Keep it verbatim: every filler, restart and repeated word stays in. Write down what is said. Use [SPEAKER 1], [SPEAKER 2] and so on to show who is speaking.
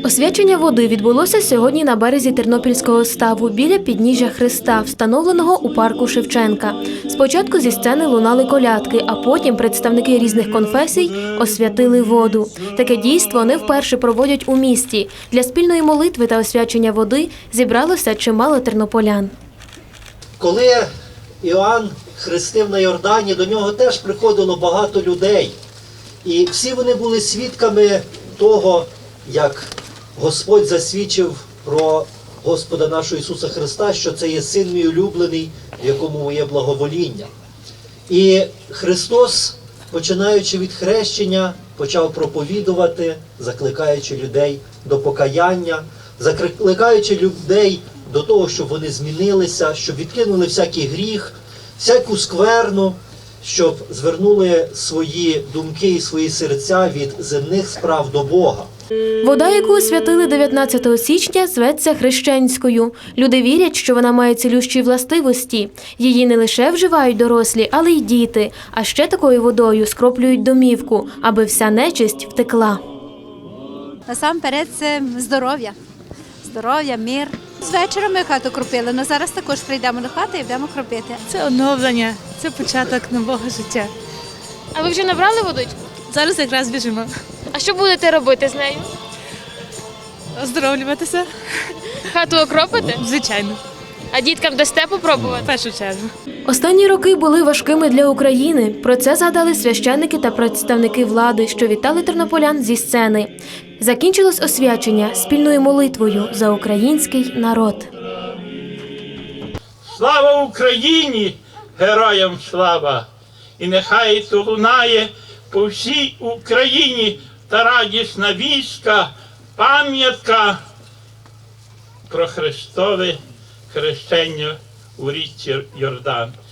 [SPEAKER 1] Освячення води відбулося сьогодні на березі Тернопільського ставу біля підніжжя Христа, встановленого у парку Шевченка. Спочатку зі сцени лунали колядки, а потім представники різних конфесій освятили воду. Таке дійство не вперше проводять у місті. Для спільної молитви та освячення води зібралося чимало тернополян.
[SPEAKER 2] Коли Іоанн хрестив на Йордані, до нього теж приходило багато людей. І всі вони були свідками того, як Господь засвідчив про Господа нашого Ісуса Христа, що це є Син мій улюблений, в якому моє благовоління. І Христос, починаючи від хрещення, почав проповідувати, закликаючи людей до покаяння, закликаючи людей до того, щоб вони змінилися, щоб відкинули всякий гріх, всяку скверну, щоб звернули свої думки і свої серця від земних справ до Бога.
[SPEAKER 1] Вода, яку освятили дев'ятнадцятого січня, зветься хрещенською. Люди вірять, що вона має цілющі властивості. Її не лише вживають дорослі, але й діти. А ще такою водою скроплюють домівку, аби вся нечисть втекла.
[SPEAKER 3] Насамперед це здоров'я. Здоров'я, мир. З вечора ми хату кропили, але зараз також прийдемо до хати і будемо кропити.
[SPEAKER 4] Це оновлення, це початок нового життя.
[SPEAKER 5] А ви вже набрали водичку?
[SPEAKER 4] Зараз якраз біжимо.
[SPEAKER 5] А що будете робити з нею?
[SPEAKER 4] Оздоровлюватися?
[SPEAKER 5] Хату окропите?
[SPEAKER 4] Звичайно,
[SPEAKER 5] А діткам дасте
[SPEAKER 4] в
[SPEAKER 5] попробувати?
[SPEAKER 4] першу чергу.
[SPEAKER 1] Останні роки були важкими для України. Про це згадали священники та представники влади, що вітали тернополян зі сцени. Закінчилось освячення спільною молитвою за український народ.
[SPEAKER 6] Слава Україні! Героям слава! І нехай це лунає по всій Україні та радісна вістка, пам'ятка про Христове хрещення у річці Йордан.